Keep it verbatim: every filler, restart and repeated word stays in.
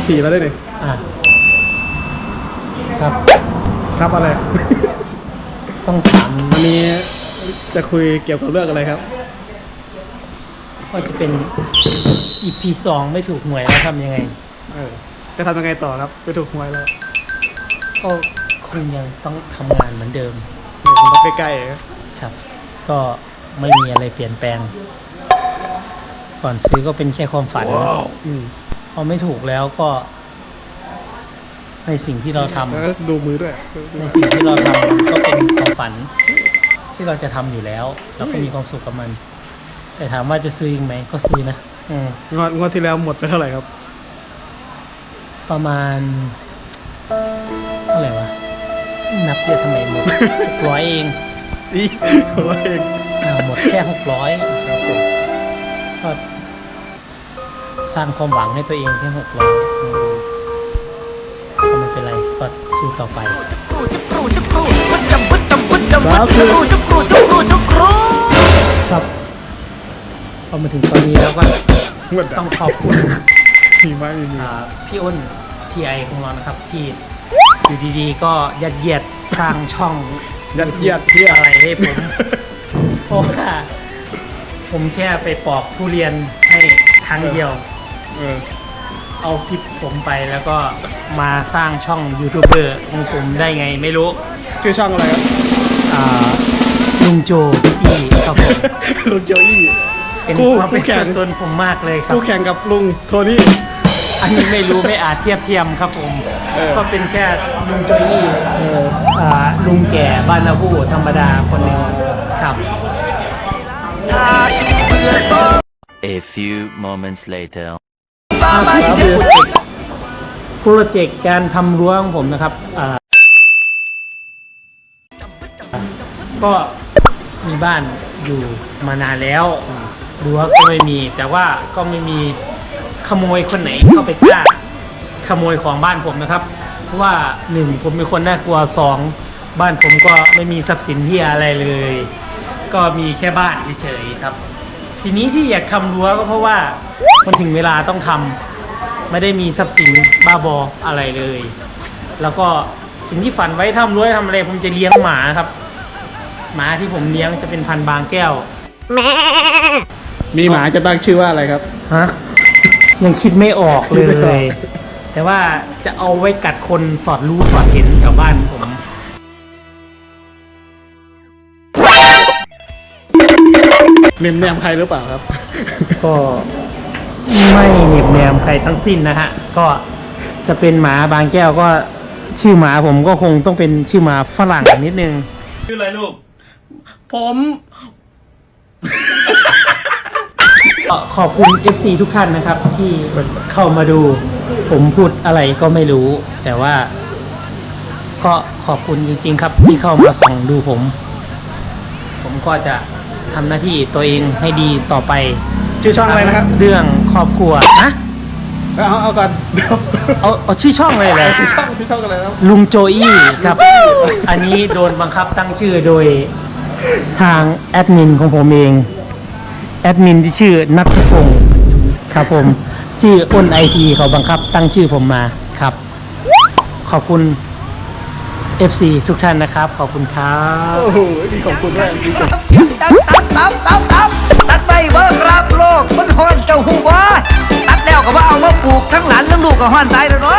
สี่มาได้เลยอ่ะครับครับอะไรต้องถามวันนี้จะคุยเกี่ยวกับเรื่องอะไรครับว่าจะเป็น อี พี สองไม่ถูกหวยแล้วทำยังไงเออจะทำยังไงต่อครับไม่ถูกหวยแล้วก็คงยังต้องทำงานเหมือนเดิมมันใกล้ๆครับก็ไม่มีอะไรเปลี่ยนแปลงก่อนซื้อก็เป็นแค่ความฝัน wow. พอไม่ถูกแล้วก็ในสิ่งที่เราทำดูมือด้วยในสิ่งที่เราทำก็เป็นความฝันที่เราจะทำอยู่แล้วเราก็มีความสุขกับมันแต่ถามว่าจะซื้อยังไหมก็ซื้อนะงวดงวดที่แล้วหมดไปเท่าไหร่ครับประมาณเท่าไหร่วะนับเยอะทำไมหมดหกร้อยเองอีหกร้อยเองอ่าหมดแค่หกร้อยก็สร้างความหวังให้ตัวเองแค่หกร้อยก็ไม่เป็นไรก็สู้ต่อไปครับพอมาถึงตอนนี้แล้วก็ต้องขอบคุณพี่ไม้พี่อ้นทีไอของเรานะครับที่อยู่ดีๆก็ยัดเยียดสร้างช่องยัดเยียดที่อะไรให้ผมเพราะว่าผมแค่ไปปอกทุเรียนให้ครั้งเดียวเอาคลิปผมไปแล้วก็มาสร้างช่องยูทูบเบอร์ของผมได้ไงไม่รู้ชื่อช่องอะไรครับลุงโจอี้ครับผมลุงโจอี้เป็นความเป็นตัวตนผมมากเลยครับคู่แข่งกับลุงโทนี่อันนี้ไม่รู้ไม่อาจเทียบเทียมครับผมก็เป็นแค่ลุงโจอี้ลุงแก่บ้านนาบูธรรมดาคนหนึ่งครับ A few moments later โปรเจกต์การทำรั้วของผมนะครับก็มีบ้านอยู่มานานแล้วรั้วก็ไม่มีแต่ว่าก็ไม่มีขโมยคนไหนเข้าไปกล้าขโมยของบ้านผมนะครับเพราะว่าหนึ่งผมเป็นคนน่ากลัวสองบ้านผมก็ไม่มีทรัพย์สินที่อะไรเลยก็มีแค่บ้านเฉยๆครับทีนี้ที่อยากทำรั้วก็เพราะว่ามันถึงเวลาต้องทำไม่ได้มีทรัพย์สินบ้าบออะไรเลยแล้วก็สิ่งที่ฝันไว้ทำรั้วทำอะไรผมจะเลี้ยงหมาครับหมาที่ผมเลี้ยงจะเป็นพันธุ์บางแก้วมีหมาจะตั้งชื่อว่าอะไรครับฮะยังคิดไม่ออกเลยแต่ว่าจะเอาไว้กัดคนสอดรู้สอดเห็นแถวบ้านผมเนมแนมใครหรือเปล่าครับก็ไม่เนมแนมใครทั้งสิ้นนะฮะก็จะเป็นหมาบางแก้วก็ชื่อหมาผมก็คงต้องเป็นชื่อหมาฝรั่งนิดนึงชื่ออะไรลูกผมขอบคุณ เอฟ ซี ทุกท่านนะครับที่เข้ามาดูผมพูดอะไรก็ไม่รู้แต่ว่าก็ขอบคุณจริงๆครับที่เข้ามาส่องดูผมผมก็จะทำหน้าที่ตัวเองให้ดีต่อไปชื่อช่องอะไรนะครับเรื่องครอบครัวนะเอาเอาก่อนเอาเอาชื่อช่องเลยเหรอชื่อช่องชื่อช่องอะไรครับลุงโจอี้ครับอันนี้โดนบังคับตั้งชื่อโดยทางแอดมินของผมเองแอดมินที่ชื่อนัทพงศ์ครับผมชื่ออ้นไอทีเขาบังคับตั้งชื่อผมมาครับขอบคุณ เอฟ ซี ทุกท่านนะครับขอบคุณครับโอ้โหขอบคุณด้วยตัดตัดตัดตัดตัดไปเบิกรับโลกมันฮอนเจ้าหัวตัดแล้วก็ว่าเอามาปลูกทั้งหลานทั้งลูกก็ฮอนตายแล้วเนาะ